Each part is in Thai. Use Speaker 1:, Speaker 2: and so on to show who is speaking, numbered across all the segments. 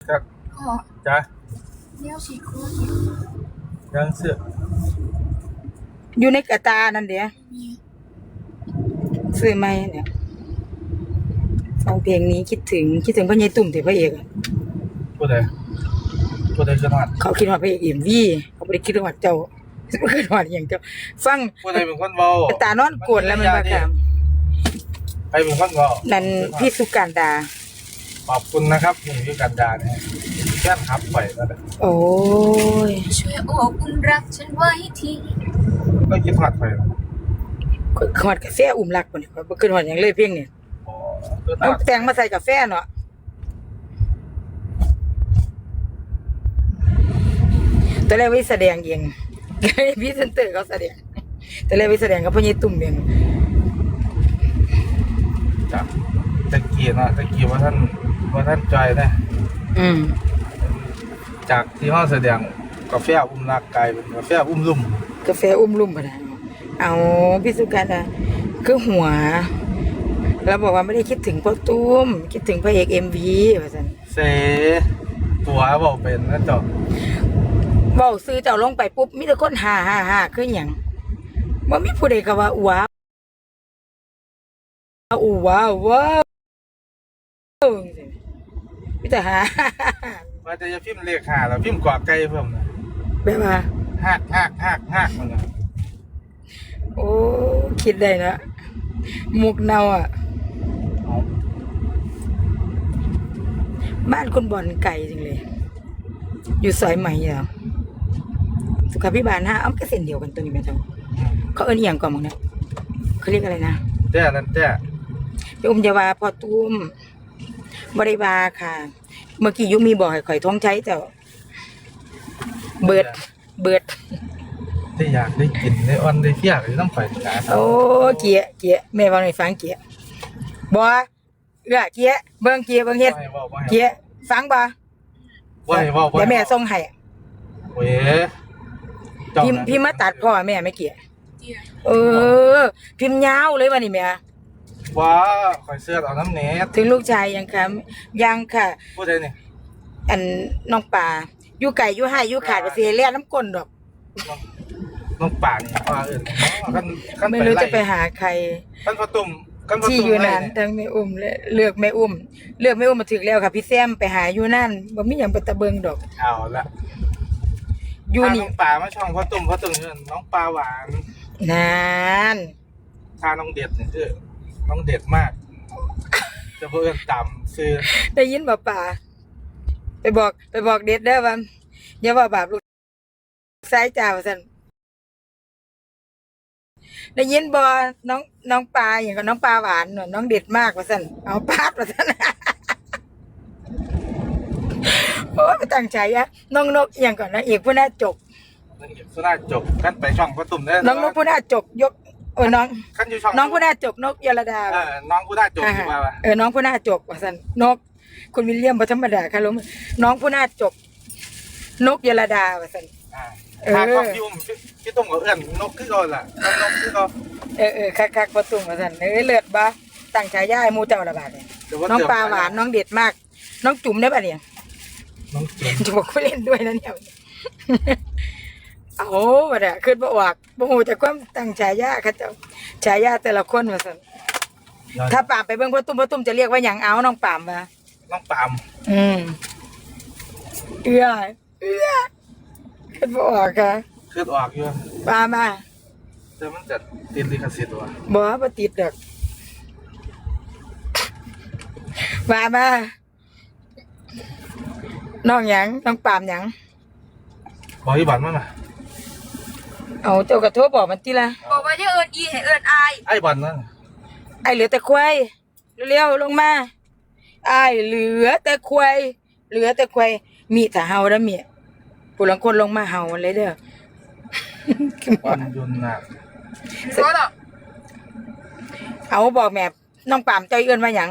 Speaker 1: ครับจ้ะ
Speaker 2: เนี่ยฉีกคู่
Speaker 1: ยังเสือ
Speaker 3: อยู่ในกระตานั่นเดี๋ยวซื้อไหมเนี่ยฟังเพลงนี้คิดถึงพ่อใหญ่ตุ่มถึงพระเอก
Speaker 1: พูดเลยขนาด
Speaker 3: เขาคิดว่าพระเอกMVเขาไม่ได้คิดว่าเจ้าไม่คิดว่าอย่างเจ้าฟัง
Speaker 1: พูดเลยเป็นคนเบาก
Speaker 3: ระตานอนโกรธแล้วมันบาค่ะ
Speaker 1: ใครเป็นคนเบา
Speaker 3: นั่นพี่สุการดา
Speaker 1: ขอบคุณนะครับนี่คือกันดาเนี่ยแค่ทับไปแล้วแหละ
Speaker 3: โอ้ย
Speaker 2: ช่วยโอบอุ่นรักฉันไว้ที
Speaker 1: ก็คิดทัดไป
Speaker 3: ขวดกาแฟอุ่มรักคนนี้บ่ขึ้นหอดอย่างเลยเพียงเนี่ยเอาแต่งมาใส่กาแฟเนาะแต่แรกวิแสดงเองพี่เซนเตอร์เขาแสดงแต่แรกวิแสดงกับพ่อใหญ่ตุ่มเอง
Speaker 1: จ้ะตะกี้นะตะกี้ว่าท่านจอยนะจากที่ห้องแสดงกาแฟอุ้มรักกลายเป็นกาแฟอุ้มลุ่ม
Speaker 3: ปะนะเอาพี่สุการนะคือหัวแล้วบอกว่าไม่ได้คิดถึงพ่อตุ้มคิดถึงพระเอกMVว่าซั่น
Speaker 1: เสตัวบอกเป็นนะจ๊ะ
Speaker 3: บอกซื้อเจ้าลงไปปุ๊บมีแต่คนฮ่าคือหยังบ่มีผู้ใดก็ว่าว้าวมีแต่ฮ่า
Speaker 1: ว่าจะพิมพ์เลขหาแล้วพิมพ์กว่าไก่เพิ่มนะ
Speaker 3: แบบว่า
Speaker 1: ฮักมันนะ
Speaker 3: โอ้คิดได้นะมุกเนาอ่ะบ้านคนบ่อนไก่จริงเลยอยู่ซอยใหม่เหรอสุขาภิบาล5อ้อมก็เส้นเดียวกันตัวนี้แม่เจ้าเขาเอิ้นอีหยังก่อนมึงเนี่ยเขาเรียกอะไรนะ
Speaker 1: แต่นั่นแต่
Speaker 3: อุ้มจะว่าพอตุ้มบริวาค่ะเมื่อกี้ยุมีบอกให้ข่อยท้องใช้แต่เบิด
Speaker 1: ได้อยากได้กินได้อ่อนได้เที่ยงได้น้ำข่อยจ้า
Speaker 3: โอ้เกียแม่ว่าให้ฟังเกียบ่เกียเบิ่งเฮ็ดเกียฟังบ่เดี๋ยวแม่ส่งให้
Speaker 1: เว้ย
Speaker 3: พี่มาตัดพ่อแม่ไม่เกียพิมพ์ยาวเลยว่านี่แม่
Speaker 1: ว้าข่อยเสื้อเอาน้ำเนต
Speaker 3: ถึงลูกชายยังค่ะ
Speaker 1: พูดได้นี่
Speaker 3: อันน้องป่าอยู่ไก่อยู่ให้อยู่ขาดก็สิเลียน้ำก้นดอก
Speaker 1: น้องป่านี่ว่า
Speaker 3: ไม่รู้จะไปหาใคร
Speaker 1: ท่านพ่อตุ่ม
Speaker 3: ที่อยู่นั่นทั้งแม่อุ้มและเลือกแม่อุ้มมาถึงแล้วค่ะพี่แซมไปหาอยู่นั่นบ่มีหยังไปตะเบิงดอก
Speaker 1: เอาละอยู่นี่น้องป่ามาช่องพ่อตุ่มน้องปลาหวาน
Speaker 3: นาน
Speaker 1: ทาน้องเด็ดนี่คือน้องเด็ดมากจะเพิ่นต่ำซื้อ
Speaker 3: ได้ยินบ่ป่าไปบอกเด็ดเด้อว่าอย่าว่าบาปลูกสายจ้าว่าซั่นได้ยินบ่น้องปลาอย่างกับน้องปลาหวานน้องเด็ดมากว่าซั่นเอาปาดว่าซั่นโอ้ยตั้งใจอะน้องนกอย่างก่อนนะเอกผู้น่าจก
Speaker 1: กันไปช่องพ่อตุ่มได้
Speaker 3: น้องนกผู้น่าจกยกน้องน้องผู้น่าจกนกยลดา
Speaker 1: น้องผู้น่าจก
Speaker 3: น้องผู้น่าจกว่าซั่นนกคุณวิลเลียมบ่ธรรมดาค่ะลุงน้องผู้น่าจกนกยลดาว่าซั่น
Speaker 1: ถ้าต้องพี่ตุ่มกับเอื้อนนกคือก่อนล่ะนกคือก่อน
Speaker 3: คักๆพ่อตุ่มว่าซั่นเลือดบ่ตั้งฉายาให้หมู่เจ้าละบาดน้องปลาหวานน้องเด็ดมากน้องจุ๋มได้ป่ะเนี่ย
Speaker 1: น้อง
Speaker 3: จุ๋มบอกว่าเล่นด้วยนะเนี่ยโอ้บ่ได้ขึ้นบ่ออกบ่ฮู้จักความตั้งฉายาเขาเจ้าฉายาแต่ละคนว่าซั่นถ้าปามไปเบิ่งพ่อตุ้มจะเรียกว่าหยังเอาน้องปามว่า
Speaker 1: น้องปาม
Speaker 3: เอื้อขึ้นบ่ออกค่ะ
Speaker 1: ขึ้นออกอยู่
Speaker 3: ปามา
Speaker 1: แต่มันจะติดลิขสิทธิ์ว่ะ
Speaker 3: บ่ติดดอกมาน้องหยังน้องปามหยัง
Speaker 1: บอกอีบันมา
Speaker 3: เอาเจ้ากระโทรบอกมันติล่ะ
Speaker 2: บอกว่าจะเอิ้นอีให้เอิ้นอาย
Speaker 1: ไอ้บันนั่น
Speaker 3: ไอ้เหลือแต่ควายเร็วๆลงมาไอ้เหลือแต่ควายมีแต่เฮาแล้วมีผู้ลังคนลงมาเฮาเลยเด้อ
Speaker 1: วันยุนน่ะ
Speaker 3: เอาบอกแม่น้องปามเจ้าเอิ้นว่าหยัง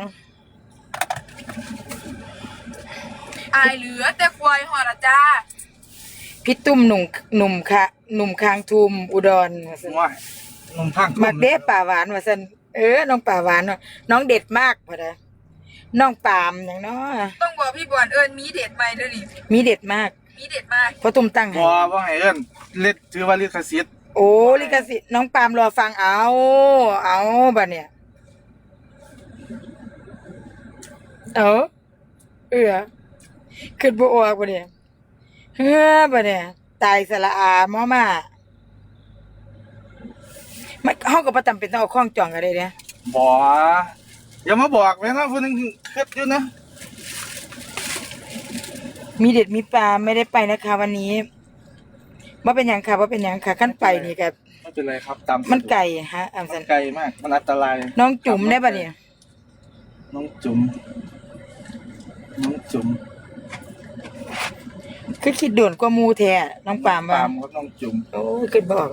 Speaker 2: อายเหลือแต่ควายหอดจ้า
Speaker 3: พี่ตุ้มหนุ่มคางทุมอุดรว่าซั่น
Speaker 1: นุ่มข้าง
Speaker 3: มักเด้ป่าหวานว่าซั่นน้องป่าหวานน้องเด็ดมากพอดะน้องปามอย่างเนาะ
Speaker 2: ต้องบอกพี่บอลมีเด็ดไหมเด้อนี่
Speaker 3: มีเด็ดมาก
Speaker 2: มีเด็ดมาก
Speaker 3: เพราะตุ้มตั้งให้
Speaker 1: บ่ว่าให้เอิ้นเล่นถือว่าลิขสิทธิ์
Speaker 3: โอ้ลิขสิทธิ์น้องปามรอฟังเอาบัดเนี่ยขึ้นบ่ออกบัดเนี่ยบัดเนี่ยตายสละอาหมอมามันเฮาก็บ่จำเป็นต้องเอาข้องจองกันได้เด้
Speaker 1: บ่อย่ามาบอกเลยนะผู้นึงคิดอยู่นะ
Speaker 3: มีเด็ดมีปลาไม่ได้ไปนะคะวันนี้ว่าเป็นหยังค่ะว่าเป็นหยังค่ะขั้นไปนี่กับ
Speaker 1: ไม่เป็นไรครับตาม
Speaker 3: มันไก่ฮะอัม
Speaker 1: มั
Speaker 3: สั
Speaker 1: น
Speaker 3: น
Speaker 1: ไกลมากมันอันตราย
Speaker 3: น้องจุ๋มได้ปะเนี่ย
Speaker 1: น้องจุ๋มน้องจุ๋ม
Speaker 3: คือคิดด่วนกว่าหมูแท้น้องปาม
Speaker 1: ปา
Speaker 3: ว่า
Speaker 1: มครับน้องจุ๋ม
Speaker 3: โอ้ยคิดบอก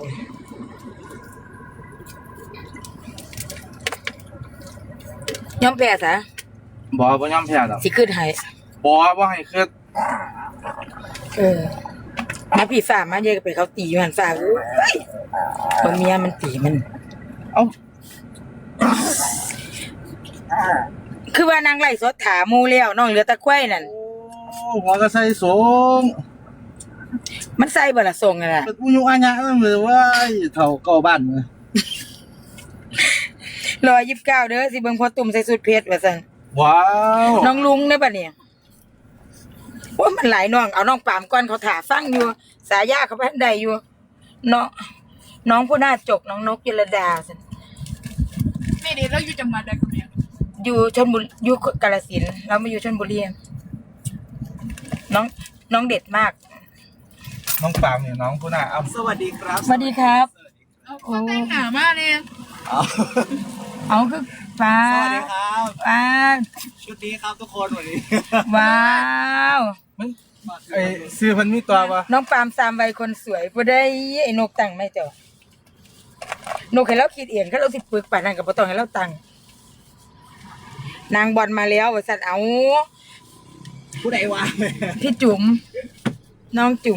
Speaker 3: ย้อมแพ้ซะ
Speaker 1: บ่บ่ยอมแพ้ดอก
Speaker 3: สิขึ้นให้
Speaker 1: บ่บ่ให้คิด
Speaker 3: มาพี่ฝ่ามาเยอะไปเขาตีอยู่หันฝ่าเอ้ยตัวเมียมันตีมัน
Speaker 1: เอ้า
Speaker 3: คือว่านางไล่สดถาหมูแล้วน้องเหลือแตะไคร่นั่น
Speaker 1: โอ้หัวก็ใส่สง
Speaker 3: มันใส่บ่ละทรงนั่นน่ะ
Speaker 1: เป็นผู้ยุอาญะนั่นเลยว่าเฒ่าเก่าบ้านมือ
Speaker 3: 129เด้อสิเบิ่งพอตุ่มใส่สุดเพชรว่าซั่น
Speaker 1: ว้าว
Speaker 3: น้องลุงได้ปะเนี่ยว่ามันหลายน้องเอาน้องปามก่อนเขาถาฟังอยู่ สายาเขาไปทันใดอยู่น้องผู้น่าจกน้องนกยลดาสิ
Speaker 2: ไม่เด็ดแล้วอยู่จังหวัดใดคนเนี้ย
Speaker 3: อยู่ชลบุรีอยู่กาฬสินธุ์เรามาอยู่ชลบุรีน้องเด็ดมาก
Speaker 1: น้องปามเนี่ยน้องผู้น่าอ้ำ
Speaker 4: สวัสดีครับ
Speaker 3: สวัสดีครับ
Speaker 2: เอาคนแต่งหนามากเลย
Speaker 3: เอาคือฟ้า
Speaker 4: สวัสดีครับ
Speaker 3: ฟ้า
Speaker 4: ชุดนี้ครับทุกคนวันนี้
Speaker 3: ว้าว
Speaker 1: มันไอ้ซื้อมันมีตัวปะ
Speaker 3: น้องปามสามใบคนสวยบ่ได้ไอ้นกตั้งไม่เจ้านกให้เราคิดเองเขาเราสิปึกป่านนั้นก็บ่ต้องให้เราตั้งนางบอลมาแล้วว่าซั่นเอา
Speaker 4: ผู้ใดวะ
Speaker 3: พี่จุ๋มน้องจุ๋ม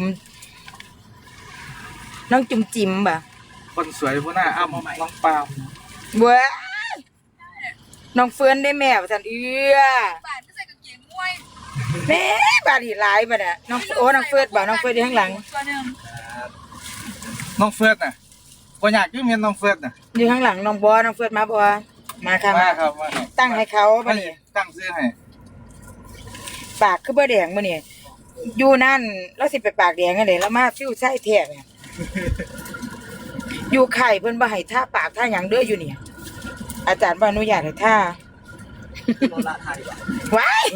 Speaker 3: จิ๋มบ่ะ
Speaker 1: คนสวยผู้น่าอ้ำน้องปาม
Speaker 3: เว้ยน้องเฟิร์นได้แม่ว่าซั่น
Speaker 2: บาทไม่ใส่กางเกงมวย
Speaker 3: แม่บาดอีหลายบ่น่ะน้องน้องเฟิร์นบ่น้องเฟิร์นอยู่ข้างหลัง
Speaker 2: ตัวหนึ่ง
Speaker 1: น้องเฟิร์สน่ะบ่อยากยืมเงินน้องเฟิร์สน่ะ
Speaker 3: อยู่ข้างหลังน้องน้องเฟิร์นมาบ่มาค่ะ
Speaker 1: มาครับมา
Speaker 3: ตั้งให้เขาบ่
Speaker 1: ให้
Speaker 3: นี่
Speaker 1: ตั้งซื้อให้
Speaker 3: ปากคือบ่แดงบ่นี่อยู่นั่นแล้วสิไปปากแดงจังได๋แล้วมาฟิวใส่แท้เนี่ยอยู่ไข่เพิ่นบ่ให้ท่าปากท่าหยังเด้ออยู่นี่อาจารย์บ่อนุญาตให้ท่า
Speaker 4: โนราไทยว่ะ
Speaker 3: ว้าย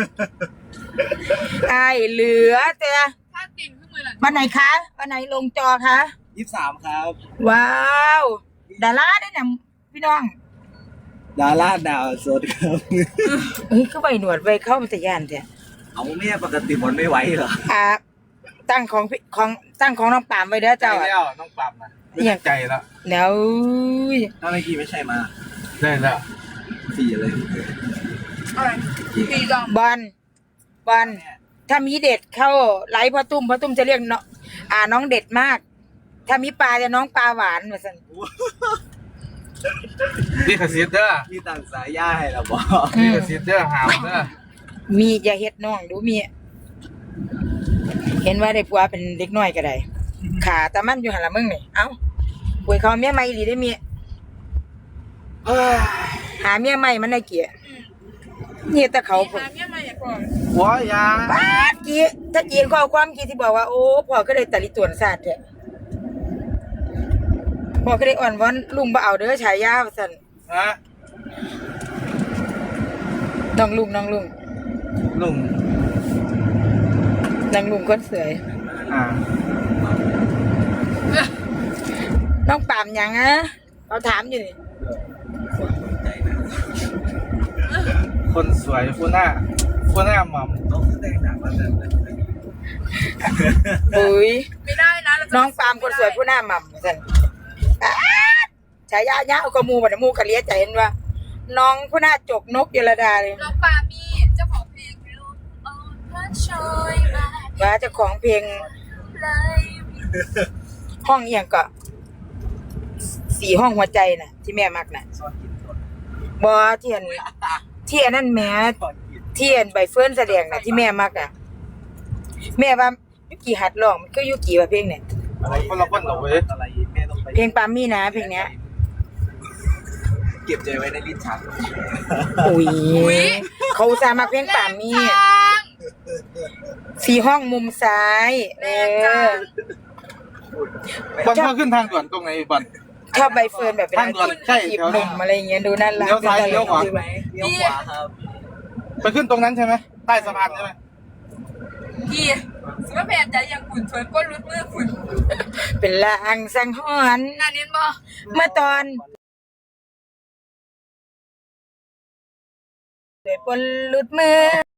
Speaker 3: ไอ้เหลือแต่
Speaker 2: ถ้าติ่นขึ้นมือหลัง
Speaker 3: วันไหนคะวันไหนลงจอคะ
Speaker 4: 23ครับ
Speaker 3: ว้าว ดาราได้เนี่ยพี่น้อง
Speaker 4: ดาราดาวสดครับ
Speaker 3: เฮ้ยก็ใบหนวดใบเข้ามันจะย่านแท้
Speaker 4: เอาแม่ปกติมันไม่ไหวเหรอ
Speaker 3: ตั้งของน้องปามไว้เด้อ
Speaker 1: ใจ
Speaker 3: เจ้า
Speaker 1: แล้วน้องปามน่ะไม่ตั้งใจแล้ว
Speaker 3: แล้ว
Speaker 4: ถ้าเมื่อกี้ไม่ใช่มา
Speaker 1: ได้แล้ว
Speaker 4: 4เลย
Speaker 2: อะไรปีดอง
Speaker 3: บอลถ้ามีเด็ดเข้าไลฟ์พ่อตุ้มจะเรียกน้องน้องเด็ดมาก ถ้ามีปลาจะน้องปลาหวานเหมือนกัน
Speaker 1: ลิขสิทธิ์เด้อ
Speaker 4: มีต่างสายย่าให้เราบอก
Speaker 1: ลิขสิทธิ์เด้อหามเด้อ
Speaker 3: มีอย่าเฮ็ดน้องดูมี เห็นว่าได้ผัวเป็นเด็กน้อยก็ได้ขาตามันอยู่หันละมึงนี่เอ้าป่วยเขาเมียใหม่ดีได้เมียเอ้ยหาเมียใหม่มันได้เกียนี่แต่เขา
Speaker 2: หาเมียมาอย่างก่อน
Speaker 1: หัวยา
Speaker 3: ป้าดกี้ถ้าจีนข้อความกี้ที่บอกว่าโอ้พ่อก็ได้ตะลิตวนศาสตร์แท้พ่อก็ได้อ่อนวอนลุงบ่เอาเด้อฉายาว่าซั่น
Speaker 1: ฮะ
Speaker 3: น้องลุง
Speaker 1: ลุง
Speaker 3: นางลุงคนสวย
Speaker 1: อ่า
Speaker 3: น้องปามหยังอะเขาถามอยู่นี่
Speaker 1: คนสวยผู้น่าหม่ำ
Speaker 4: ต้องแต่งหนังมาแบบนั้น
Speaker 3: อุ้ย
Speaker 2: ไม่ได้นะเราจะ
Speaker 3: น้องปามคนสวยผู้หน้าหม่ำว่าซั่นป๊าดฉายาญาเอากระมูบ่ได้มูกะเลียใจเห็นว่า น้องผู้หน้าจกนกเยลดาเลย
Speaker 2: น้องปามีเจ้าของเพลงลูกอ่อนพระชอยมา
Speaker 3: ว่าเจ้าของเพลง
Speaker 2: เลย
Speaker 3: ห้องเอียงก็4ห้องหัวใจน่ะ ที่แม่มักน่ะ
Speaker 4: ซ่อนกินคน
Speaker 3: บ่ที่ที่อันนั้นแหม่ที่อันใบเฟิร์นแสดงน่ะที่แม่มักอ่ะแม่ว่ายุกิหัดร้องมันคือยุกิว่าเพลงเนี่ย
Speaker 1: อะไรคนละคนเหรอเว้ย
Speaker 4: อะไรแม่ต้องไป
Speaker 3: เพลงปามี่นะเพลงเนี้ย
Speaker 4: เก็บใจไว้ในลิ้นชัก
Speaker 3: อุ้ยเขาอุตสาห์มาเพลงปามี่สีห้องมุมซ้าย
Speaker 1: บอลเข้าขึ้นทางด่วนตรงไหนบอล
Speaker 3: ชอบใบเฟิร์นแบบเป็น
Speaker 1: ทางด่วนใช่
Speaker 3: จีบ
Speaker 1: แถว
Speaker 3: ห
Speaker 1: นั้
Speaker 3: นุ่
Speaker 1: น
Speaker 3: มอะไรอย่างเงี้ยดูน่ารัก
Speaker 1: เลี้ยวซ้ายเลี้ยวขวา
Speaker 4: เลี้ยวขวาครับ
Speaker 1: ไปขึ้นตรงนั้นใช่ไหมใต้สะพานใช่ไหม
Speaker 2: พี่สมมติแผนใจอย่างขุนชวนก้นรุดมือขุน
Speaker 3: เป็นลางสังหรณ์
Speaker 2: งานนี้บ่
Speaker 3: เมื่อตอนโดยปนหลุดมือ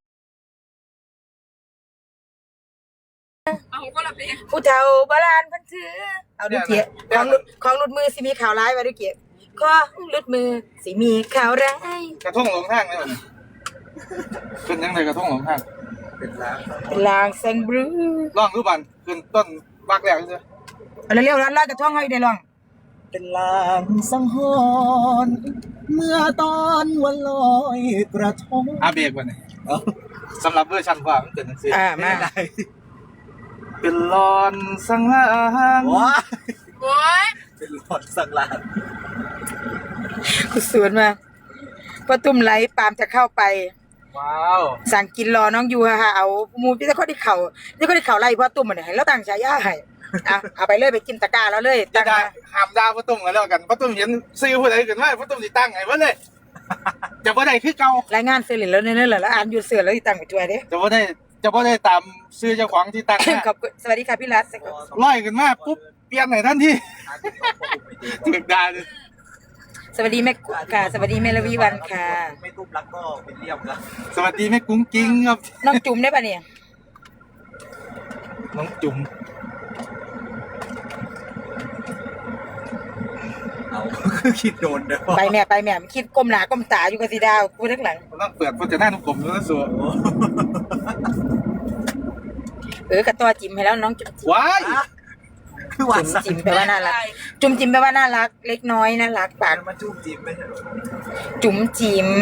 Speaker 2: เอาก็ละเพลง
Speaker 3: ผู้เฒ่าโบราณเพันถือเอาดูเกียของหลุดมือสิมีข่าวร้ายไว้ดูเกียของหลุดมือสิมีข่าวร้าย
Speaker 1: กระทงหลงทางเลยขึ้นยังไงกระทงหลงทาง
Speaker 4: เป็นร้าน
Speaker 3: เป็นลางสังบรู
Speaker 1: ล่องรูปบันขึ้นต้นบักแหลกเลย
Speaker 3: เอาเร็วๆร้านจะท่องให้ได้ลอง
Speaker 4: เป็นลางสังหรณ์เมื่อตอนวันลอยกระทง
Speaker 1: อาเบรกวันนี้สำหรับเวอร์ชันกว่ามันเกิดหนังสือ
Speaker 3: มา
Speaker 1: เป็นลอนสังหาร
Speaker 4: ว้า
Speaker 2: โอ้ย
Speaker 4: เป็นหลอดสังลาน
Speaker 3: คุณสวนมาพอตุ่มไหลปามจะเข้าไป
Speaker 1: ว้าว
Speaker 3: สั่งกินรอน้องยูค่ะเอาหมูพี่ตะข้อที่เข่าที่ข้อที่เข่าไล่พ่อตุ่มมันให้แล้วตั้งฉายาให้เอาไปเลยไปกินตะกร้าแล้วเลย
Speaker 1: จะ
Speaker 3: ตั้ง
Speaker 1: ได้
Speaker 3: มา
Speaker 1: หามดาวประตุ้มกันแล้วกันประตุ้มเห็นซื้อผู้ใดกันว่าประตุ้มสิตั้งไงวะเลยจะบ่ได้คือเก่าร
Speaker 3: ายงานเสร็จแล้วเนี่ยแล้วอ่านอยู่เสือแล้วตั้งไปช่วยเด้
Speaker 1: จะบ่ได้ตามซื้อเจ้าของที่ตั้ง
Speaker 3: ขอบคุณสวัสดีค่ะพี่รัต
Speaker 1: ร้อยกันมาปุ๊บเปลี่ยนไหนท่านที่ถึกได้เลย
Speaker 3: สวัสดีแม่กุ๊กค่ะสวัสดีแม่ละวีวันค่ะ
Speaker 4: ไม่ตุ้มรักก็เป็นเรียบครับ
Speaker 1: สวัสดีแม่กุ้งกิ้งครับ
Speaker 3: น้องจุ๋มได้ปะเนี่ย
Speaker 1: น้องจุ๋ม
Speaker 4: เอาคือคิดโดนเด้อ
Speaker 3: ไปแม่คิดก้มหน้าก้มตาอยู่กับสีดาวพูดทั้งหลัง
Speaker 1: ต้องเปิดพจนานุกรมแล้วสัว
Speaker 3: กระตัวจิ๋มให้แล้วน้องจุ๋ม
Speaker 1: ว้าย
Speaker 4: คือหวานสั
Speaker 3: จิ๋มแปลว่าน่ารักจุ๋มจิ๋มแปลว่าน่ารักเล็กน้อยน่ารักปาก
Speaker 4: มาจุ่มจิ้มไม่ใช่หรอ
Speaker 3: จุ๋มจิ๋ม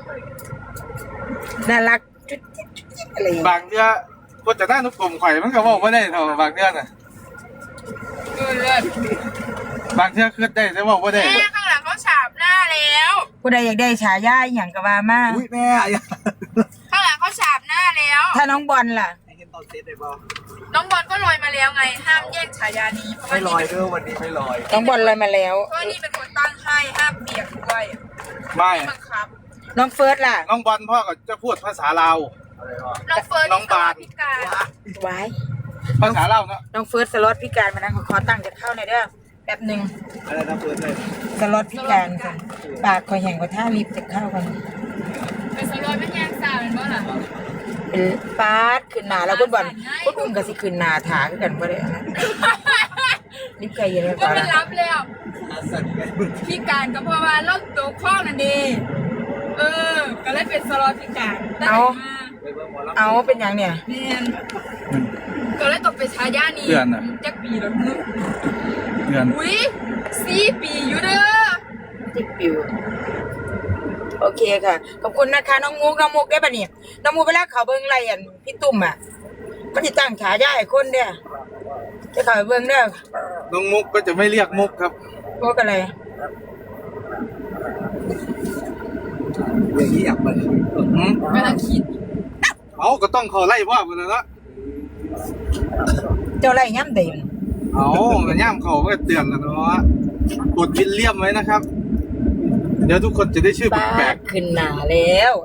Speaker 3: น่ารักจุ๊ดจิ๊ดจุ๊ดจิ๊ดอะไรอย่างเงี้ย
Speaker 1: บางเดือพจนานุกรมข่อยมันก็บอกว่าได้เท่าบางเดือน่ะ
Speaker 2: เลิศ
Speaker 1: บางเดือคือได้แต่บอกว่าได้
Speaker 2: แม่ข้างหลังเขาฉาบหน้าแล้ว
Speaker 3: ผู้ใดอยากได้ฉายาอหย่างก็ว่ามา
Speaker 4: อุ้ยแม่อย่า
Speaker 2: ข้างหลังเขาฉาบหน้าแล้ว
Speaker 3: ถ้าน้องบอลล่ะ
Speaker 4: ให้เห็นตอนเซตได้ป่ะ
Speaker 2: น้องบอลก็ลอยมาแล้วไง ห้ามแย่งฉายานี้เพราะ
Speaker 4: ไม่
Speaker 2: ว่า
Speaker 4: ล
Speaker 2: นี่
Speaker 4: อยเด้อวันนี้ไม่ลอย
Speaker 3: น้องบอลเลยมาแล้ว
Speaker 2: เพราะว่านี่เป็นคนตั้งให้ห้ามเปียกด้วย
Speaker 1: ไม่
Speaker 2: บังคับ
Speaker 3: น้องเฟิร์สล่ะ
Speaker 1: น้องบอลพ่อก็จะพูดภาษาลาว
Speaker 4: อะไรวะ
Speaker 2: น้องเฟิร์น
Speaker 1: น้องบาน
Speaker 2: พิการ
Speaker 3: ไว้
Speaker 1: ภาษาลาวเนาะ
Speaker 3: น้องเฟิร์สสล็อตพิการมานั่งขอตั้งจะเข้าในอยเด้อแป๊บหนึ่ง
Speaker 4: อะไรนะเฟิร์สเลย
Speaker 3: สล็อตพิการค่ะปากคอยแห่งกว่าท่าลิฟต์จะเข้ากัน
Speaker 2: เป็นสลอยเป็นแยงสาวเป็นบ่ล่ะ
Speaker 3: เป็นปาดขึ้นหนาแล้วคุณบอลคุณอุ้มกับสิขึ้นหนาถาคือกันบ่ได้อันนั้นลิฟต์ไกลเย็นแล้ว
Speaker 2: ก็
Speaker 3: ก่อน
Speaker 2: มันรับแล้ว
Speaker 4: อาสันไง
Speaker 2: พิการก็เพราะว่าโรคตัวข้อนั่นเองก็เลยเป็นสลอยพิการได้มา
Speaker 4: ไปเบิ่งหมอลำ
Speaker 3: เอาเป็นอย่างเนี่ย
Speaker 2: เนียนก็เลยตกเป็นฉายานี้จักปีแล้วนึง
Speaker 1: เดือน
Speaker 2: อุ้ย4 ปีอยู่เด้อ
Speaker 3: จิบปิวโอเคค่ะขอบคุณนะคะน้องมุกได้ปะเนี่ยน้องมุกไปแล้วเขาเบิ้งไรอันพี่ตุ่มอ่ะก็จะตั้งฉายาให้คนเด้อจะเขาไปเบิ้งเด้อ
Speaker 1: น้องมุกก็จะไม่เรียกมุกครับ
Speaker 3: พวกอะไร
Speaker 4: อย่างนี้อยากมา
Speaker 2: กำลังคิด
Speaker 1: เอาก็ต้องเขาไล่พ่อไปเลยเนาะ
Speaker 3: เจ้าไรย่ำเต็ม
Speaker 1: เอามันย่ามเขาก็เตือนแล้วเนาะกดวิลเลียมไว้นะครับ เดี๋ยวทุกคนจะได้ชื่อ
Speaker 3: ปา
Speaker 1: แปล
Speaker 3: ด
Speaker 1: ก
Speaker 3: ขึ้นหนาแล้ว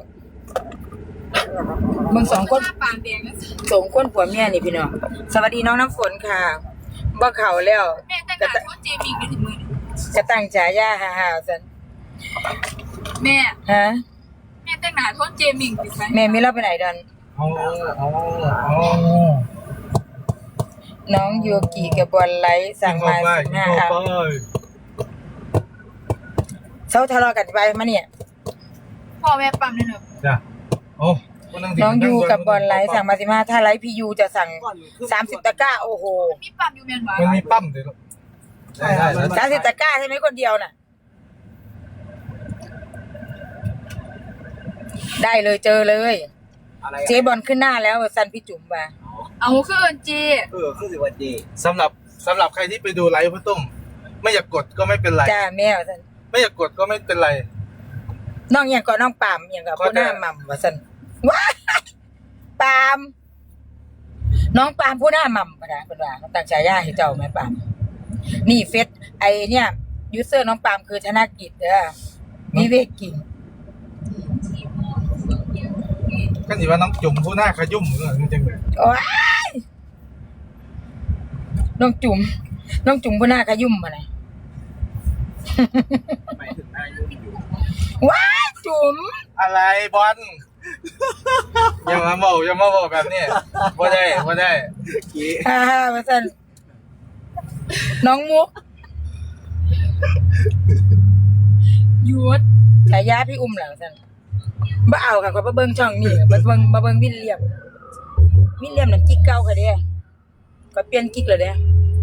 Speaker 3: มึงสองคน
Speaker 2: หน้าปานแดงนะ
Speaker 3: สองคนผัวเมียนี่พี่น้องสวัสดีน้องน้ำฝนค่ะบ่เขาแล้ว
Speaker 2: แม่แต่งงานโทษเจมิงได้ถึงมือ
Speaker 3: จะตั้งฉายาฮ่าๆสัน
Speaker 2: แม่
Speaker 3: ฮะ
Speaker 2: แม่แต่งงานโทษเจมิงดิฉัน
Speaker 3: แม่ไม่เล่าไปไหนดัน
Speaker 1: ๆโอ้โอ้
Speaker 3: น้องยูกิกับบอลไลท์สั่งมา15เอาเซาทะเลาะกันไปมาเนี่ย
Speaker 2: พ่อแม่ปั๊มเลยเนอะ
Speaker 1: จ้ะโอ้
Speaker 3: น้องยูกับบอลไลท์สั่งมา15ถ้าไลท์พียูจะสั่ง30ตะกร้าโอ้โห
Speaker 2: มีปั๊มอยู่แม่นบ่
Speaker 1: มันมีปั้มเดี๋ยวได้
Speaker 3: 30ตะกร้าใช่ไหมคนเดียวน่ะได้เลยเจอเลย
Speaker 4: อะไร
Speaker 3: เจ๊บอลขึ้นหน้าแล้วสันพี่จุ๋มว่า
Speaker 2: เอาคือเอินจี
Speaker 4: คือสิวันดี
Speaker 1: สำหรับใครที่ไปดูไลฟ์พ่อตุ้มไม่อยากกดก็ไม่เป็นไร
Speaker 3: จ้าแม่ว่าสัน
Speaker 1: ไม่อยากกดก็ไม่เป็นไร
Speaker 3: น้องอย่างก่อนน้องปามอย่างกับผู้หน้าหม่ำว่าสันว้ายปามน้องปามผู้หน้าหม่ำปะนะเป็นว่าเขาตั้งฉายาให้เจ้าไหมปามนี่เฟซไอเนี่ยยูเซอร์น้องปามคือธนกิจเด้อวิเวกกิ่ง
Speaker 1: ก็สิว่าน้องจุ่มผู้หน้าขยุ่มเออจริงๆเลย
Speaker 3: โอ้ยน้องจุ๋มผู้หน้าขยุ่มมาไหน
Speaker 4: ไปถึงหน้ายุ่งอยู่
Speaker 3: ว้ายจุ๋ม
Speaker 1: อะไรบอลอย่ามาบอกแบบนี้บ่ได้
Speaker 4: กี้
Speaker 3: ฮ่าฮ่ามาสั่นน้องมุก
Speaker 2: หยุด
Speaker 3: ฉายาพี่อุ้มเหรอสั่นบ่เอาค่ะก็มาเบิ่งช่องนี่มาเบิ่งวิลเลียมนั่นกิ๊กเก่าค่ะเด้ก็เปลี่ยนกิ๊กแล้วเด้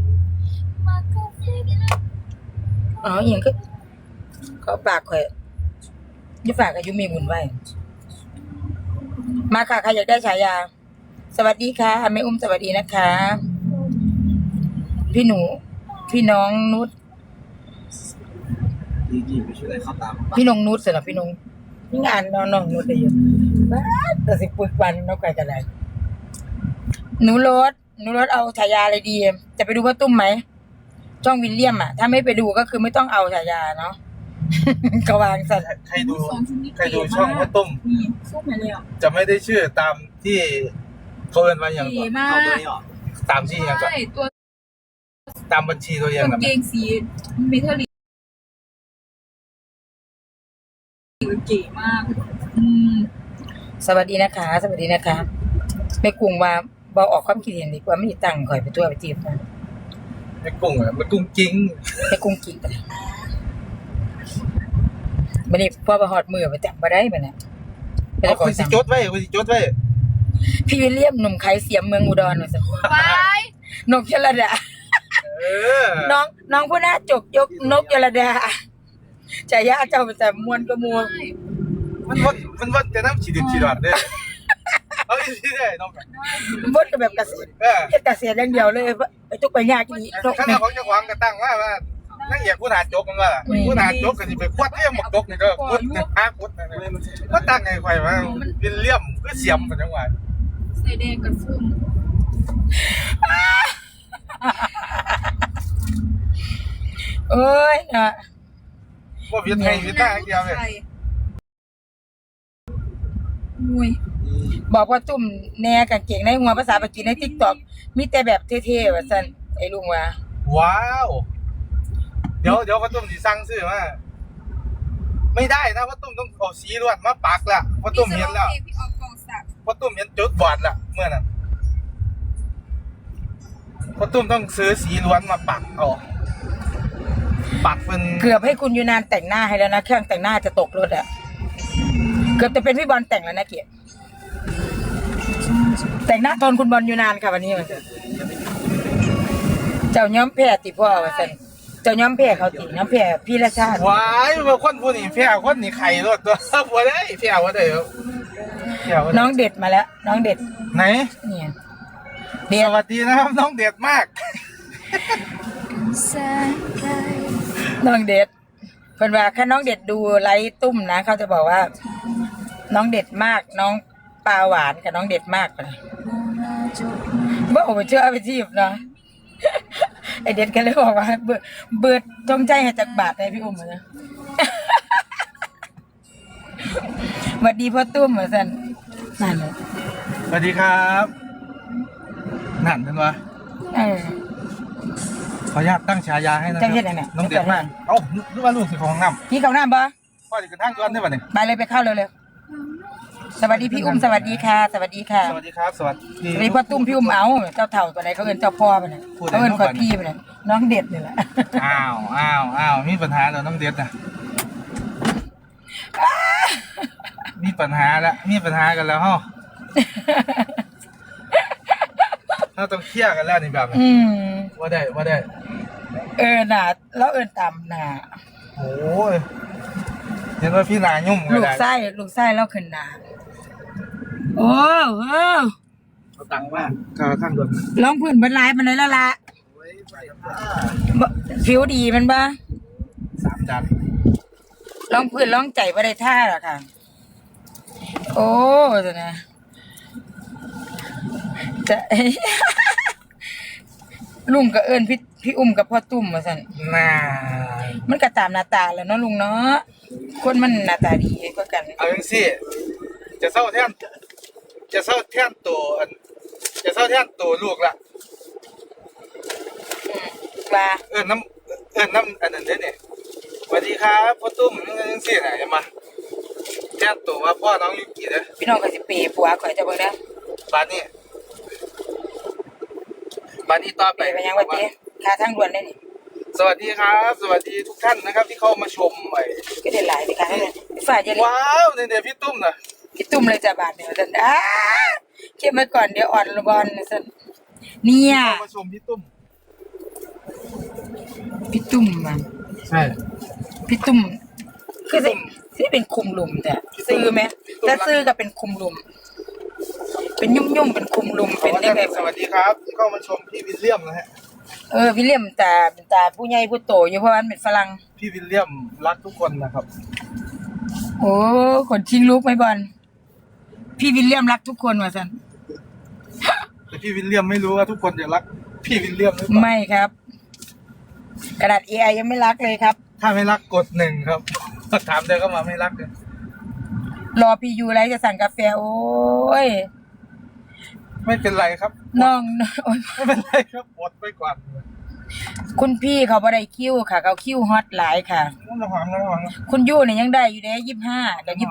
Speaker 3: อ๋ออหยังก็เขาปากข่อยอยู่ฝากอายุมีบุญไว้มาค่ะใครอยากได้ฉายาสวัสดีค่ะแม่อุ้มสวัสดีนะคะ พี่น้องนุช
Speaker 4: กี้ไปช่วยอะไรเข้าตาม
Speaker 3: พี่นงนุชสำหรับพี่นงนี่งานน้องนุชได้อยู่บ้าแต่สิปึกวันน้องไก่กันเลยหนูรถเอาฉายาอะไรดี จะไปดูพ่อตุ้มไหมช่องวิลเลียมอ่ะถ้าไม่ไปดูก็คือไม่ต้องเอาฉายาเนาะ ก็วางสัตว์
Speaker 1: ใครดูช่องพ่อตุ้ม
Speaker 2: นี่สู้มาเลยอ่ะ
Speaker 1: จะไม่ได้ชื่อตามที่เขาเอิ้นว่าอย่าง
Speaker 2: ดี
Speaker 1: ก่อน
Speaker 2: มาก
Speaker 4: เอาตัวนี้ออก
Speaker 1: ตามที่อย่างก่อน
Speaker 2: ใช่ตัว
Speaker 1: ตามบัญชีตัวอย่าง
Speaker 2: กาง
Speaker 1: ก่อน
Speaker 2: เกงสีเมทัลลิกเก๋มาก
Speaker 3: สวัสดีนะคะไม่กรุงว่าบอออกความคิดเห็นดีกว่าไม่มีตังค์ข่อยไปตัวไปจีบนะ
Speaker 1: ไม่กุ้งอ่ะมันกุ้งจริง
Speaker 3: ไม่กรุงกิ๊กเลยมันนี่พ่อประหอดมือไปจับมาได้ไหมเนี่ย
Speaker 1: เอาคุณสิจดไว้
Speaker 3: พี่วิลเลียมหนุ่มขายเสียมเมืองอุดรหน่อยสิ
Speaker 2: ไป
Speaker 3: นกยลดา
Speaker 1: เออ
Speaker 3: น้องผู้น่าจกยกนกยลดาฉายาเจ้าเป็นแต่มวนกระมวล
Speaker 1: มันวัดแต่น้ำฉีดอดเด้อเอาอีกทีได้น้อง
Speaker 3: บดกับแบบเกษตร
Speaker 1: เออ
Speaker 3: เฮ็ดเกษตรอย่างเดียวเลยไปจุกไปยากอีนก
Speaker 1: ขณะของเจ้าของก็ตั้งว่านักเอกผู้หาจกมันว่าผู้หาจกก็สิไปควัดเลี่ยมหมกจกนี่ก็ควัดหาควัดนั่นก็ตั้งไงข่อยว่าวิลเลียมคือเสียมเป็นจังหวะ
Speaker 2: ใส่แดงกับส้ม
Speaker 3: โอ้ยอ่ะ
Speaker 1: ว่าเวียนไทยเวียนใต้เดียวเลย
Speaker 2: มวย
Speaker 3: บอกว่าตุ่มแน่กางเกงในหัวภาษาปากีใน TikTok มีแต่แบบเท่ๆว่าซั่นไอ้ลุงว่า
Speaker 1: ว้าวเดี๋ยวพ่อตุ้มสิสั่งซื้อมาไม่ได้นะพ่อตุ้มต้องเอาสีล้วนมาปักละพ่อตุ้มเห็นแล้ว
Speaker 2: พี่ออกกองสัก
Speaker 1: พ่อตุ้มเห็นจุดบอดละเมื่อนั้นพ่อตุ้มต้องซื้อสีล้วนมาปักเอาปักเป็น
Speaker 3: เกือบให้คุณยูนานแต่งหน้าให้แล้วนะเครื่องแต่งหน้าจะตกรถอ่ะเกือบจะเป็นพี่บอลแต่งแล้วนะเกียรติแต่งหน้าตอนคุณบอลยูนานค่ะวันนี้มันเจ้าย้อมแพรติพ่อว่าซั่นเจ้าย้อมแพรเขาติย้อมแพรพี่ละชาติ
Speaker 1: ว้ายเมื่อคนผู้นี้แพ้คนนี้ไข่รถตัวบัวได้แพ้ว่าได้ครับแพ้ว่าได้
Speaker 3: น้องเด็ดมาแล้ว น้องเด็ด
Speaker 1: ไหน
Speaker 3: เนี่ย
Speaker 1: สวัสดีนะครับ น้องเด็ดมาก
Speaker 3: น้องเด็ดเพิ่นว่าถ้าน้องเด็ดดูไลฟ์ตุ้มนะเขาจะบอกว่า น้องเด็ดมาก น้องปลาหวานกับน้องเด็ดมากเลยบ่โอ้เชื่อเอาไปจีบเนาะ ไอเด็ดก็เลยบอกว่าเบิดจงใจให้จักบาทให้พี่อุ้มนะ สวัสดีพ่อตุ้มเหมือนสันนั่นเลย
Speaker 1: สวัสดีครับนั่นเป็นวะ
Speaker 3: เออ
Speaker 1: ขออนุญาตตั้งฉายาให้นะค
Speaker 3: จั
Speaker 1: รั
Speaker 3: งเฮ็ดอันไหน
Speaker 1: น้องเด็ดมากเอ้านึกว่าลูกสิของน้ำ
Speaker 3: พี่เขาหน้าบ่
Speaker 1: พ่อจะกระทั่งย้อนได้ป่ะเนี่ย
Speaker 3: ไปเลยไปเข้าเร็วๆสวัสดีพี่อุ้มสวัสดีค่ะ สวัสดีค่ะ
Speaker 1: สวัสดีครับ สวัสดี
Speaker 3: สวัสดีพ่อตุ้มพี่อุ้มเอาเจ้าเถ่าตัวไหนเขาเอิ้นเจ้าพ่อไปเนี่ย
Speaker 1: พูดได้
Speaker 3: เขาเอิ้น
Speaker 1: น้อง
Speaker 3: คอย
Speaker 1: ก่อน
Speaker 3: พี่ไปเนี่ยน้องเด็ดนี่แหละ
Speaker 1: อ้าวมีปัญหาแล้วน้องเด็ดนะมีปัญหากันแล้วฮะเราต้องเคลียร์กันแล้วนี่แบบนี้
Speaker 3: อืม
Speaker 1: ว่าได้
Speaker 3: เออหนาแล้วเอิ้นตามหนา
Speaker 1: โอ้ยเห็นว่าพี่นายุ่มก็
Speaker 3: ลูก
Speaker 1: ได้
Speaker 3: ไส้แล้วขึ้นหนาโอ้เออ
Speaker 1: เอาตังค์มาข้างด่วน
Speaker 3: ร้องพื้นบรรลัยมันเลยแล้วล่ะผิวดีมันบ้า
Speaker 1: 3 จาน
Speaker 3: ร้องพื้นร้องใจบ่ได้ท่าหรอกค่ะ โอ้ตัวนะจะ ลุงก็เอิ้นพี่อุ้มกับพ่อตุ้มว่าซั่น
Speaker 1: น่า
Speaker 3: มันก็ตามหน้าตาแหล้วเนาะลุงเนาะคนมันหน้าตาดีกว่ากัน
Speaker 1: เอาจังซี่จะเศร้าแทนตัวลูกละ
Speaker 3: ว่า
Speaker 1: เอิ้นน้ำอันนั้นเด้เนี่ยสวัสดีครับพ่อตุ้มจังซี่น่ะอย่ามาแทนตัวว่าพ่อน้องยุกิเด้อ
Speaker 3: พี่น้องก็สิเปย์ผัวข่อยจะเบิ่งเด้อ
Speaker 1: บ้านนี้ต่อ
Speaker 3: เป
Speaker 1: ไป
Speaker 3: ย์ไปยังว่าติค่าทางด่วนได้นี่
Speaker 1: สวัสดีครับ สวัสดีทุกท่านนะครับที่เข้ามาชมไอ้
Speaker 3: ก็ได้หลายไปค่ะนั่นแหละฝ่ายเย็น
Speaker 1: ว้าวเนี่ยพี่ตุ้มน่ะ
Speaker 3: พี่ตุ้มเลยจ้ะบาทเดียวซั่นเก็บไว้ก่อนเดี๋ยวอ่อนละบอลซั่นเนี่ย
Speaker 1: เข้ามาชมพี่ตุ้ม
Speaker 3: พี่ตุ้มมัน
Speaker 1: ใช่
Speaker 3: พี่ตุ้มคือสิเป็นคุมหลุมแต่ซื้อไหมถ้าซื้อก็เป็นคุมหลุม เป็นยุ่มๆเป็นคุมหลุมเป็นได้ไง
Speaker 1: สวัสดีครับที่เข้ามาชมพี่วิลเลียมนะฮะ
Speaker 3: วิลเลียมตาเป็นตาผู้ใหญ่ผู้โตอยู่เพราะว่ามันเป็นฝรั่ง
Speaker 1: พี่วิลเลียมรักทุกคนนะครับ
Speaker 3: โอ้คนชิงลูกไหมบอลพี่วิลเลียมรักทุกคนว่าสัน
Speaker 1: แต่พี่วิลเลียมไม่รู้ว่าทุกคนจะรักพี่วิลเลียมหรือเปล่า
Speaker 3: ไม่ครับ กระดาษ AI ยังไม่รักเลยครับ
Speaker 1: ถ้าไม่รักกด1ครับถามเดินเข้ามาไม่รักเลย
Speaker 3: รอพี่ยูไรจะสั่งกาแฟโอ้ย
Speaker 1: ไม่เป็นไรครับ
Speaker 3: น้องโอ้ย
Speaker 1: ไม่เป็นไรครับอดไปก่อน
Speaker 3: คุณพี่เขาบ่ได้คิวค่ะเขาคิวฮอตหลายค่ะ
Speaker 1: น้ำหอมน้ำหอม
Speaker 3: คุณยูเนี่ยยังได้อยู่เด้25กับ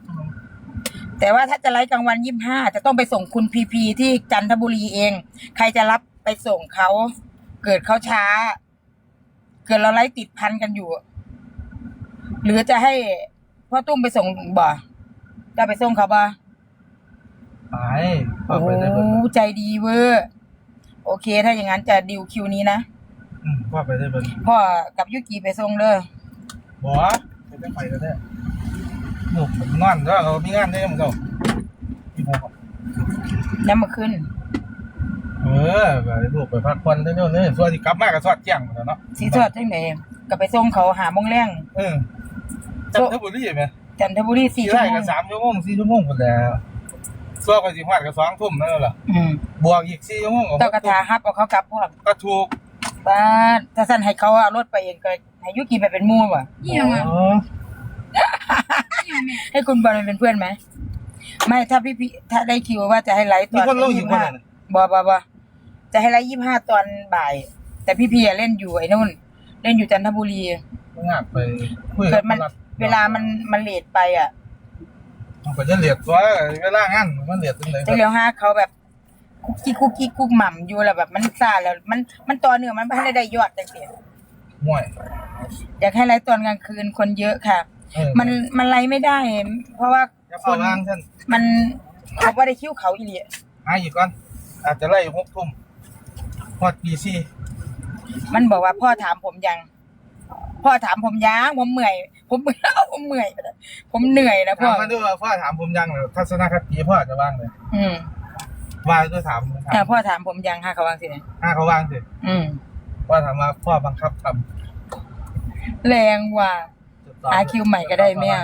Speaker 3: 27แต่ว่าถ้าจะไลฟ์กลางวัน25จะต้องไปส่งคุณพีพีที่จันทบุรีเอง ใครจะรับไปส่งเขาเกิดเขาช้า เกิดเราไลฟ์ติดพันกันอยู่ หรือจะให้พ่อตุ้มไปส่งบ่จะไปส่งเขาบ่
Speaker 1: ไป
Speaker 3: โอ้
Speaker 1: ไปได้เบิด
Speaker 3: ใจดีเวอร์โอเค ถ้าอย่างนั้นจะดิวคิวนี้นะ
Speaker 1: พ่อไปได้เบิด
Speaker 3: พ่อกับยุกิไปส่งเด้อ
Speaker 1: บ่ไปได้ไปก็ได้หนูผมนอนแล้วเรามีงานได้มั้งเจ้าพี่พ่อ
Speaker 3: น้ำมาขึ้น
Speaker 1: ไปลูกไปพักผ่อนได้เนาะเนี่ยส่วนที่กลับมาก็สอดแจ้งหมดแล้วเนาะ
Speaker 3: สีทอดจังไหนก็ไปส่งเขาหาโมงแรง
Speaker 1: จันทบุรีไหม
Speaker 3: จันทบุรี4
Speaker 1: ที่
Speaker 3: ชั่ว
Speaker 1: ไร่
Speaker 3: โม
Speaker 1: ก็
Speaker 3: ง
Speaker 1: 3 ชั่วโมง4 ชั่วโมงหมดแล้วส่วนก็สิฮอดก็2 ทุ่มนั่นแหละบวกอีก4 ชั่วโมง
Speaker 3: เจ้ากระทาฮับเอาเขากลับพวก
Speaker 1: ก็ถูก
Speaker 3: บ้านถ้าสั่นให้เขาเอารถไปเองก็ให้ยุกิไปเป็นหมู่ว่ะ
Speaker 2: เยี่ยมอ่ะเยี่ยมแม่
Speaker 3: ให้คุณบอลไปเป็นเพื่อนไหมไม่ถ้าพี่ถ้าได้คิวว่าจะให้ไลฟ์ต
Speaker 1: มี
Speaker 3: อน
Speaker 1: คนลงอยู่คนนั้น
Speaker 3: บ่จะให้ไลฟ์25ตอนบ่าย แต่พี่เล่นอยู่ไอ้นู่น เล่นอยู่จันทบุรี
Speaker 1: งานไปคุย
Speaker 3: เกิดมันเวลามันเลทไปอ่ะ
Speaker 1: มันก็จะเลียดตัวเวลางานมันเลียดจังได๋
Speaker 3: จะเลี้ยวห้าเขาแบบคุกกี้กุ๊กหม่ำอยู่แล้วแบบมันซ่าแล้วมันต่อเนื่องมันไม่ได้ยอดจังซี่
Speaker 1: ม่วย
Speaker 3: อยากให้ไลฟ์ตอนกลางคืนคนเยอะค่ะ มันไลฟ์ไม่ได้ เพราะว่า
Speaker 1: จะ
Speaker 3: ค
Speaker 1: เข้าน วางซั่น
Speaker 3: มันเขาบ่ได้คิวเขาอีหลี
Speaker 1: หาอีกก่อนอาจจะไล่6 ทุ่มฮอดปี4
Speaker 3: มันบอกว่าพ่อถามผมยังผมเมื่อยผมเหนื่อยนะพ่
Speaker 1: ถา
Speaker 3: อ
Speaker 1: มมาด้วยว่าพ่อถามผมยังทัศนคติพ่อจะว่างเลย ว่าด้วยถาม
Speaker 3: พ่อถามผมยังค่ะเขาวางสิเนี่ย
Speaker 1: เขาว่างสิ พ่อถามว่าพ่อบังคับทำ
Speaker 3: แรงว่ะหาคิวใหม่ก็ได้แม่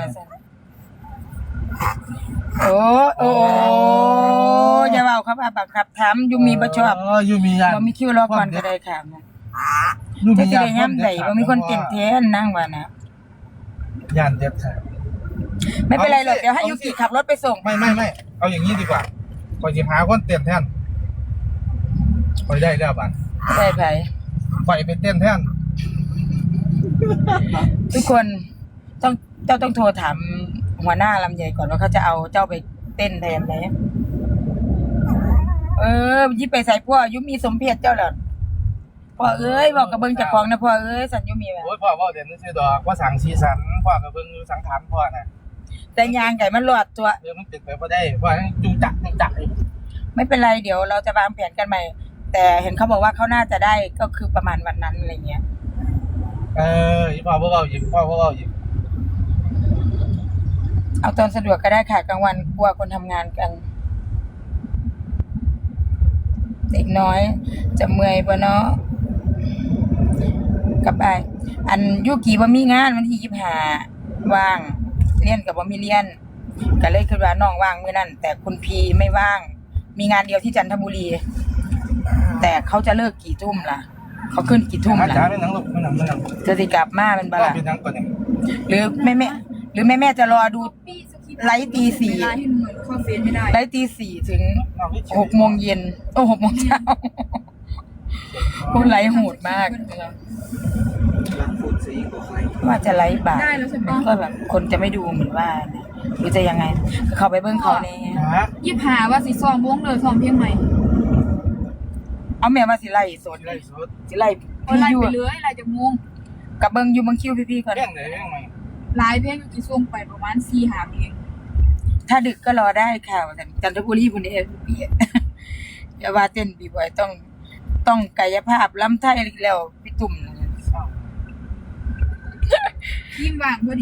Speaker 3: โอ้อย่าเว้าครับบังคับถามยูมีบ่ชอบ
Speaker 1: ยูมีญาติ
Speaker 3: บ่มีคิวรอก่อนก็ได้ค่ะจะสิได้ยามใดบ่มีคนเต็มแท้นั่งว่านะ
Speaker 1: ญาติเด็ดขาด
Speaker 3: ไม่เป็นไรหรอกเดี๋ยวให้ยุกิขับรถไปส่ง
Speaker 1: ไม่เอาอย่างนี้ดีกว่าก่อนจะหาคนเต้นแทนคอยได้แล้วบัด
Speaker 3: ได้ไผ
Speaker 1: คอยไปเต้นแทน
Speaker 3: ทุกคนเจ้าต้องโทรถามหัวหน้าลำใหญ่ก่อนว่าเขาจะเอาเจ้าไปเต้นแทนไหมยิบไปใส่พ่อยุมีสมเพชเจ้าเหรอพ่อเอ้ยบอกกับเบิ่งเจ้าของนะพ่อเอ้ยสัญยุมีแหม
Speaker 1: โอ้ยพ่อว่าเด่นซื่อดอกว่าสั่งสีสันพ่อกับเบิ่งสังขารพ่อน่ะ
Speaker 3: แต่ยางไก่มันหลอดตัว
Speaker 1: เดี๋ยวมันเป็นไปบ่ได้ว่าจุงจักอยู่
Speaker 3: ไม่เป็นไรเดี๋ยวเราจะวางแผนกันใหม่ แต่เห็นเขาบอกว่าเขาน่าจะได้ก็คือประมาณวันนั้นอะไรเงี้ย
Speaker 1: อีพ่อบ่เว้าอีกพ่อบ่เว้าอีก
Speaker 3: เอาตอนสะดวกก็ได้ค่ะกลางวันกลัวคนทำงานกัน เด็กน้อยจะเมื่อยบ่เนาะกลับไปอันยุกีบ่มีงานวันที่25ว่างเรียนกับบ่มีเรียนก็เลยคิดว่าน้องว่างมื้อนั้นแต่คุณพีไม่ว่าง มีงานเดียวที่จันทบุรี แต่เขาจะเลิกกี่ทุ่มล่ะ เขาขึ้นกี่ทุ่ม
Speaker 1: อา
Speaker 3: ล่ะ
Speaker 1: จารย์เป็นหนังลูกเป็นหนังเป็นหนัง
Speaker 3: จะสิกลับมาเป็นบ่
Speaker 1: ก็
Speaker 3: ล่ะ
Speaker 1: เป็นหนังก่อนเนี่ย
Speaker 3: หรือแม่จะรอดูไลฟ์ตี
Speaker 2: เวลาที่หนูเข้าเฟซไม่ได้
Speaker 3: 4ไลฟ์ตี4ถึง6โมงเย็น6โมงเช้าพูดไลฟ์โหดมาก
Speaker 4: รักฝุ่นสีกว่าใคร
Speaker 3: ว่าจะไลฟ์บ่าย
Speaker 2: ได้แล้วใช่ปะ
Speaker 3: ก็แบบคนจะไม่ดูเหมือนว่านะหรือจะยังไงเขาไปเบิ้งเขาเนี่ย
Speaker 1: ฮะ
Speaker 2: 25ว่าสิซ้อมวงเลยซ้อมเพลงใหม่
Speaker 3: เอาแม่ว่าสิไล่สด
Speaker 1: ไรสุด
Speaker 3: สิไล่
Speaker 2: เอา
Speaker 3: พี่
Speaker 2: ไล่
Speaker 3: อยู่
Speaker 2: ไปเลยไล่จากวง
Speaker 3: กับเบิ้งอยู่เบิ้งคิวพี่ๆก่อน
Speaker 1: เรื่องไหนเรื่องไหน
Speaker 2: หลายเพลงอยู่ที่ส่งไปประมาณ4-5เพลง
Speaker 3: ถ้าดึกก็รอได้ค่ะจันทบุรีพุ่นเด้พี่อย่าว่าเต้นบีบอยต้องกายภาพล้ำไทยอีกแล้วพี่ตุ่ม
Speaker 2: ทีมว่างพอดี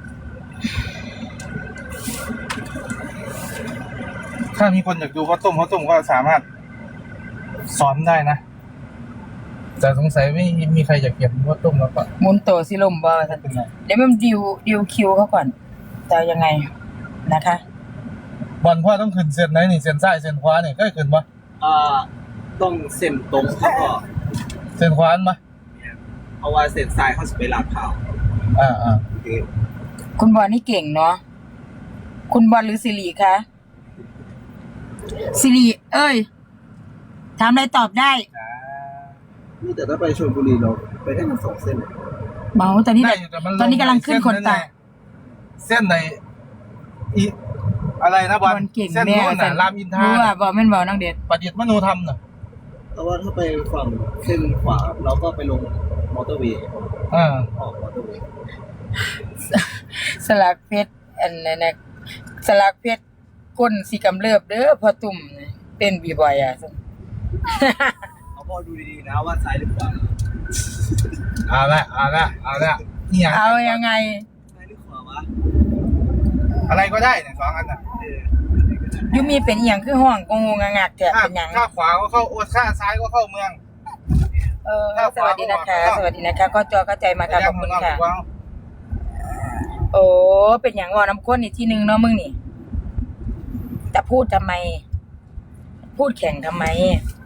Speaker 1: ถ้ามีคนอยากดูข้าวต้มก็สามารถสอนได้นะแต่สงสัยไม่มีใครอยากเก็บข้าวต้มแล้วก็
Speaker 3: หมุนโตสิลมบ่ว่าซั่น
Speaker 1: เป็นไร
Speaker 3: เดี๋ยวมันดิวคิวเขาก่อนจะยังไงนะคะ
Speaker 1: บอลพ่อต้องขึ้นเส้นไหนนี่เส้นซ้ายเส้นขวานี่ก็ขึ้นปะ
Speaker 4: ต้องเส้นตรงเขาก็
Speaker 1: เส้นขวาอันปะ
Speaker 4: เพราะว่าเส้นซ้ายเขาจะไปลาดพร้าว โอเค
Speaker 3: คุณบอลนี่เก่งเนาะคุณบอลหรือสิริคะสิริเอ้ยถามอะไรตอบได้
Speaker 4: นี่แต่ถ้าไปชลบุรีเราไปได้ทั้ง2 เส้นเลย
Speaker 3: เมาตอนนี้
Speaker 1: ได้
Speaker 3: แบบ
Speaker 1: อยู่แต่มัน
Speaker 3: ตอนนี้กำลังขึ้นคนตา
Speaker 1: เส้นไหนอีอะไรนะบอล
Speaker 3: เก่ง
Speaker 1: เส้น
Speaker 3: แน่
Speaker 1: โน้นน่ะรามอินทรา
Speaker 3: รู้ว่าบอลแม่นบอลน้องเด็ด
Speaker 1: ประดิษฐ์มโนธรรมน่ะ
Speaker 4: เพราะว่าถ้าไปฝั่งเส้นขวาเราก็ไปลงมอเตอร์เวย์
Speaker 1: อ่า
Speaker 4: ออกมอเตอร์เวย์
Speaker 3: สลักเพชรอันนั้นนะสลักเพชรก้นสีกำเริบเด้อพอตุ่มเต้นบีบอยอ่ะ
Speaker 4: เอาพอดูดีๆนะว่าซ้ายหรือขวา
Speaker 1: เอาละเนี่ย
Speaker 3: เอายังไง
Speaker 4: ซ้ายหรือขวาวะ
Speaker 1: อะไรก็ได้เนี่ย2 อันน่ะ
Speaker 3: ยูมีเป็นอหย่างคือห้องกงงงักแถบ
Speaker 1: ข้า
Speaker 3: เป็นหยัง
Speaker 1: ข้าขวาก็เข้าโอ้ข้าซ้ายก็เข้าเมือง
Speaker 3: สวัสดีนะคะ สวัสดีนะคะก็จอเข้าใจมาค่ะขอบคุณค่ะ
Speaker 1: ว้าว
Speaker 3: โอ้เป็นอย่างว่าน้ำข้นอีกที่หนึ่งเนาะมึงนี่จะพูดทำไม พูดแข่งทำไม